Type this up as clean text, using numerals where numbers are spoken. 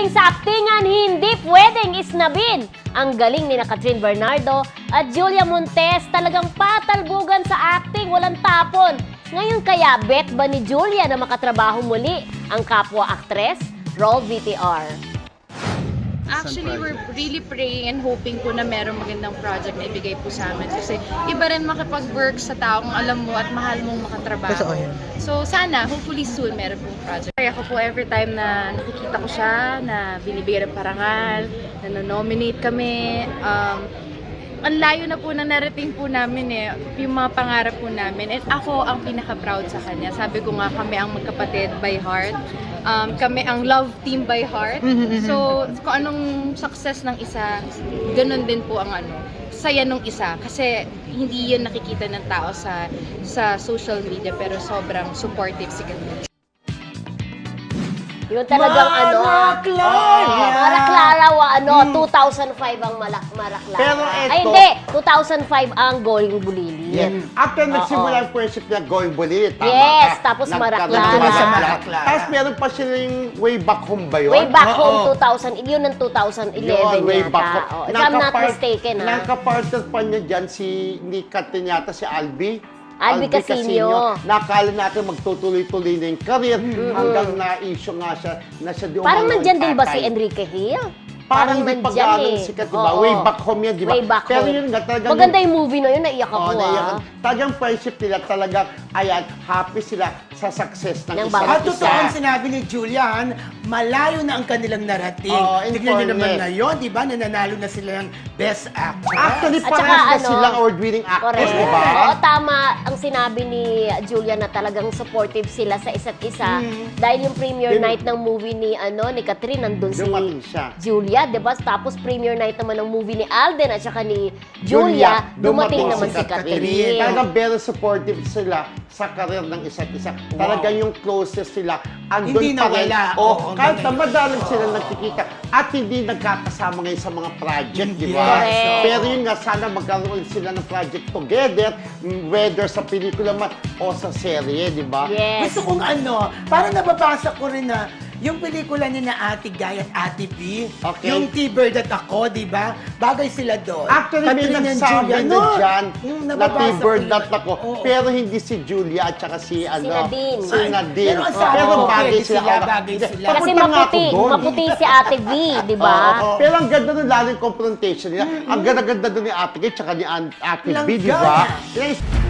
Pagdating sa aktingan, hindi pwedeng isnabin. Ang galing ni Catherine Bernardo at Julia Montes talagang patalbugan sa acting, walang tapon. Ngayon kaya bet ba ni Julia na makatrabaho muli ang kapwa-aktres? Roll VTR. Actually, we're really praying and hoping po na merong magandang project na ibigay po sa amin. Kasi iba rin makipag-work sa taong alam mo at mahal mong makatrabaho. So sana, hopefully soon, meron pong project. Kaya ako po every time na nakikita ko siya, na binibigyan ng parangal, na nominate kami, ang layo na po na narating po namin yung mga pangarap po namin. And ako ang pinaka-proud sa kanya. Sabi ko nga, kami ang magkapatid by heart. Kami ang love team by heart. So, kung anong success ng isa, ganun din po ang saya nung isa. Kasi hindi yun nakikita ng tao sa social media, pero sobrang supportive si Catherine. Yung talagang Mara Clara! Mara Clara 2005 ang Mara Clara. Pero eto- Ay hindi, 2005 ang Going Bulilit. Yes. After nagsimula ang friendship na Going Bulilit, tama Yes, ka? tapos Mara Nagkaroon Clara. sa Mara Clara. Tapos meron pa sila yung Way Back Home ba yun? Way back Oo. home 2000, yun ang 2011 Way yata. Back Home. Oh, if I'm not mistaken, Nakapartner pa niya dyan si Catherine yata, si Albi. Albi Casino. Nakala natin magtutuloy-tuloy na yung career hanggang na-issue nga siya na siya di Parang umano nandyan din ba si tatay. Enrique Hill? Parang hindi pa nandyan gano'ng sikat, diba? Oo. Way Back Home yan, diba? Way Back Pero Home. yun nga, talagang... Maganda yung movie na yun, naiyak ako naiyak. Talagang friendship nila, talagang, ayan, happy sila sa success ng Ng isa't bawat At isa. totoo ang sinabi ni Julian, malayo na ang kanilang narating. Oo, in Tignan nyo naman fairness. ngayon, di ba, nananalo na sila ng Best Actress. Actually, At parang saka, na silang award-winning actress, Correct. diba? Oo, tama ang sinabi ni Julia na talagang supportive sila sa isa't isa. Dahil yung premiere Din- night ng movie ni Catherine, nandun si Dumating siya. Julia, di ba? Tapos premiere night naman ng movie ni Alden at saka ni Julia, dumating naman si Catherine. Talagang very supportive sila sa karir ng isa't isa. Talagang yung closest sila, andun Hindi pa rin. nawala. O, Oo, kahit na ganun. madalang sila nagkikita at hindi nagkakasama ngayon sa mga project, di ba? Correct. Pero yun nga, sana magkaroon sila ng project together, whether sa pelikula man o sa serye, di ba? Yes. Gusto kong parang nababasa ko rin na yung pelikula ni na Ate Guy at Ate B, Okay. yung T-Bird at ako, di ba? Bagay sila doon. Actually, may Catherine and nagsabi Julia, na dyan yung na nababasa T-Bird ko that ako. Oo. Pero hindi si Julia at saka si Nadine. Si Nadine. Pero ang sabi Pero ko, bagay pwede sila. sila, bagay sila. Kasi Papunta nga ako doon. maputi si Ate V, di ba? Oo. Pero ang ganda nun, lalo yung confrontation nila. Ang ganda-ganda doon ni Ate Kay, tsaka ni Ate B, di ba? Langgana. Yes.